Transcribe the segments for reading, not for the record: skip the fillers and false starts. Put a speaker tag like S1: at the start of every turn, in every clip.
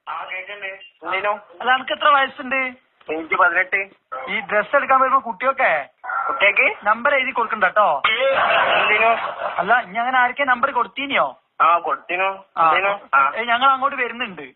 S1: അല്ല എനിക്ക് എത്ര വയസ്സുണ്ട്?
S2: എനിക്ക് 18.
S1: ഈ ഡ്രസ് എടുക്കാൻ വരുമ്പോ കുട്ടിയൊക്കെ നമ്പർ എഴുതി കൊടുക്കണ്ട കേട്ടോ. അല്ല ഇനി അങ്ങനെ ആർക്കെ നമ്പർ കൊടുത്തീനിയോ? ഞങ്ങൾ അങ്ങോട്ട് വരുന്നുണ്ട്.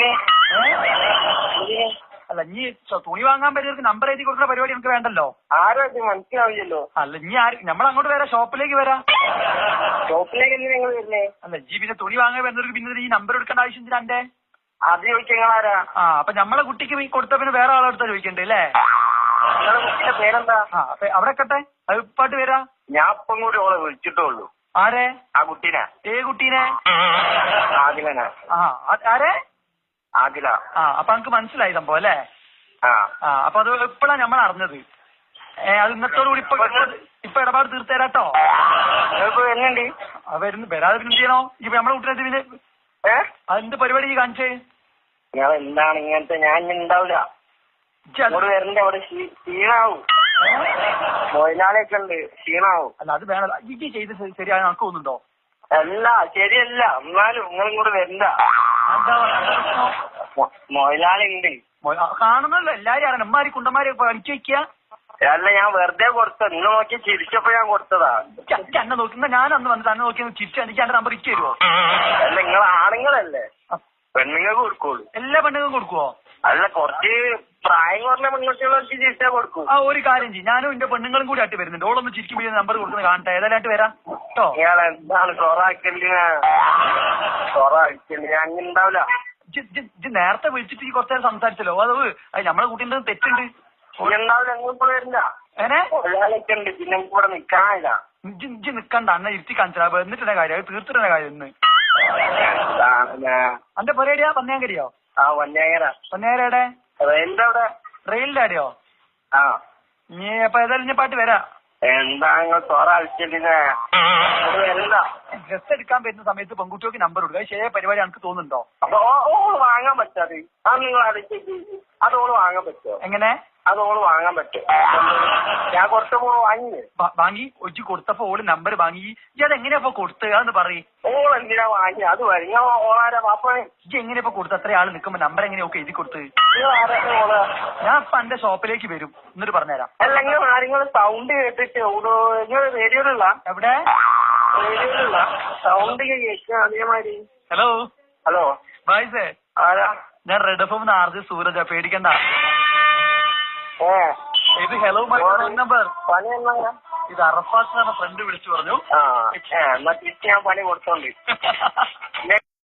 S1: അല്ല ഇനി തുണി വാങ്ങാൻ പറ്റിയവർക്ക് നമ്പർ എഴുതി കൊടുക്കുന്ന പരിപാടി നമുക്ക് വേണ്ടല്ലോ.
S2: ആരോ മനസ്സിലാവില്ലല്ലോ.
S1: അല്ല ഇനി നമ്മൾ അങ്ങോട്ട് വരാം, ഷോപ്പിലേക്ക് വരാം.
S2: ഷോപ്പിലേക്ക് നിങ്ങൾ വരുന്നേ?
S1: അല്ല ഇജ്ജി പിന്നെ തുണി വാങ്ങാൻ വരുന്നവർക്ക് പിന്നെ ഈ നമ്പർ എടുക്കേണ്ട ആവശ്യം എന്തിനാ എന്റെ?
S2: അത് ചോദിക്കാരാ?
S1: അപ്പൊ നമ്മളെ കുട്ടിക്ക് കൊടുത്ത പിന്നെ വേറെ ആളെടുത്താ ചോദിക്കണ്ടേ അല്ലേ?
S2: നിങ്ങളുടെ കുട്ടിയുടെ പേരെന്താ?
S1: അപ്പൊ അവിടെ കട്ടെ അത് ഇപ്പാട്ട് വരാ.
S2: ഞാൻ ഇപ്പം കൂടി ഓളെ വിളിച്ചിട്ടുള്ളൂ.
S1: ആരെ?
S2: ആ കുട്ടീനെ.
S1: കുട്ടീനെ?
S2: ആദിലനാ.
S1: ആരെ?
S2: ആദില.
S1: അപ്പൊ നമുക്ക് മനസ്സിലായി സംഭവം അല്ലേ? അപ്പൊ അത് ഇപ്പഴാ നമ്മൾ അറിഞ്ഞത്. അത് ഇന്നത്തോടു കൂടി ഇപ്പൊ ഇടപാട് തീർത്തേരാട്ടോ.
S2: വരുന്നുണ്ട്.
S1: വരുന്നു വരാതെ പിന്നെ ചെയ്യണോ? ഇപ്പൊ നമ്മളെ കുട്ടീനെ പിന്നെ അതെന്ത് പരിപാടി കാണിച്ചേ?
S2: നിങ്ങൾ എന്താണ് ഇങ്ങനത്തെ? ഞാൻ ഉണ്ടാവില്ല. വരണ്ട അവിടെ ക്ഷീണാവും. മൊയിലാളിയൊക്കെ ഉണ്ട്, ക്ഷീണാവും.
S1: അല്ല അത് വേണല്ലോ. ഇജ്ജി ചെയ്ത് ശരിയായി നമുക്ക് തോന്നുന്നുണ്ടോ?
S2: അല്ല ശരിയല്ല, എന്നാലും നിങ്ങളും കൂടെ വരണ്ട. മൊയിലാളി ഉണ്ട്.
S1: കാണുന്നല്ലോ എല്ലാരും അറിയണം. അമ്മമാരി കുണ്ടന്മാരെ പണിക്ക് വെക്കുക.
S2: അല്ല ഞാൻ വെറുതെ കൊടുത്തത്. നിങ്ങൾ നോക്കി ചിരിച്ചപ്പോ ഞാൻ കൊടുത്തതാ.
S1: എന്നെ നോക്കുന്ന ഞാൻ അന്ന് വന്നിട്ട് അന്ന് നോക്കി ചിരിച്ചു എനിക്ക് എന്റെ നമ്പർ ഇച്ച് തരുമോ?
S2: അല്ല നിങ്ങൾ ആണുങ്ങളല്ലേ, പെണ്ണുങ്ങൾക്ക് കൊടുക്കുള്ളൂ.
S1: എല്ലാ പെണ്ണുങ്ങളും കൊടുക്കുവോ?
S2: അല്ല കുറച്ച് പ്രായം കുറഞ്ഞ പെൺകുട്ടികളൊക്കെ ചിരിച്ചാ കൊടുക്കും.
S1: ഒരു കാര്യം ചെയ്യും, ഞാനും എന്റെ പെണ്ണുങ്ങളും കൂടി ആയിട്ട് വരുന്നുണ്ട്. ഓളൊന്ന് ചിരിക്കുമ്പോൾ നമ്പർ കൊടുക്കുന്നത് കാണട്ടെ. ഏതായാലും വരാം കേട്ടോ.
S2: ഇയാൾ എന്താണ് സൊറാക്കല്? ഞാൻ അങ്ങനെ ഉണ്ടാവില്ല.
S1: നേരത്തെ വിളിച്ചിട്ട് ഈ കുറച്ചു നേരം സംസാരിച്ചല്ലോ. അത് നമ്മളെ കുട്ടീൻ്റെ തെറ്റുണ്ട്.
S2: ഉണ്ടാവില്ല, എങ്ങോട്ട് വരില്ല. ഉണ്ട്, പിന്നെ കൂടെ നിക്കാനില്ല.
S1: ഇജ്ജ് നിക്കണ്ട, അന്ന ഇരുത്തി കാണിച്ചാ എന്നിട്ടെ കാര്യം. അത് തീർത്തിട്ടെ കാര്യം ഇന്ന്. അന്റെ പരിപാടിയാ പന്നയാങ്കരിയോ? പന്നയാങ്കരയുടെ
S2: റെയിലിന്റെ അവിടെ.
S1: റെയിലിന്റെ അവിടെയോ? നീ അപ്പൊ ഏതായാലും ഇനി പാട്ട് വരാം.
S2: എന്താ നിങ്ങൾ സൊറ അടിച്ചിട്ടില്ല?
S1: ഡ്രസ് എടുക്കാൻ പറ്റുന്ന സമയത്ത് പെൺകുട്ടികൾക്ക് നമ്പർ കൊടുക്കുക. ശരിയായ പരിപാടി എനിക്ക് തോന്നുന്നുണ്ടോ?
S2: അപ്പൊ ഓള് വാങ്ങാൻ പറ്റാതെ അത് നിങ്ങൾ അടിച്ചേക്ക്. അത് ഓള് വാങ്ങാൻ പറ്റുമോ?
S1: എങ്ങനെ?
S2: അത് ഓള് വാങ്ങാൻ പറ്റും. ഞാൻ കൊടുത്തപ്പോ
S1: വാങ്ങി ഒജ്ജി കൊടുത്തപ്പോ ഓള് നമ്പർ വാങ്ങി. ഇത് എങ്ങനെയാ കൊടുത്ത്? അതൊന്ന് പറയും.
S2: ഓൾ എന്തിനാ വാങ്ങി? അത് വരിക ഓളാരാ പാപ്പ?
S1: ഇജ്ജ് എങ്ങനെയാ കൊടുത്ത്? അത്ര ആള് നിൽക്കുമ്പോ നമ്പർ എങ്ങനെയൊക്കെ എഴുതി കൊടുത്ത്? ഞാൻ ഇപ്പൊ എന്റെ ഷോപ്പിലേക്ക് വരും, എന്നിട്ട് പറഞ്ഞുതരാം.
S2: അല്ല നിങ്ങൾ സൗണ്ട് കേട്ടിട്ട് നിങ്ങൾ റേഡിയോയിലുള്ള?
S1: എവിടെ?
S2: റേഡിയോയിലുള്ള സൗണ്ട് കേൾക്കുക അതേമാതിരി.
S1: ഹലോ
S2: ഹലോ
S1: ബായ്സേ,
S2: ആരാ?
S1: ഞാൻ റെഡ് എഫ്എം ആർജെ സൂരജ. പേടിക്കണ്ട. ഇത് ഹലോ മൈ നമ്പർ.
S2: പണി എന്നാ?
S1: ഇത് അറഫാത്ത് ഫ്രണ്ട് വിളിച്ചു പറഞ്ഞു.
S2: എന്നാ തിരിച്ച് ഞാൻ പണി കൊടുത്തോണ്ട്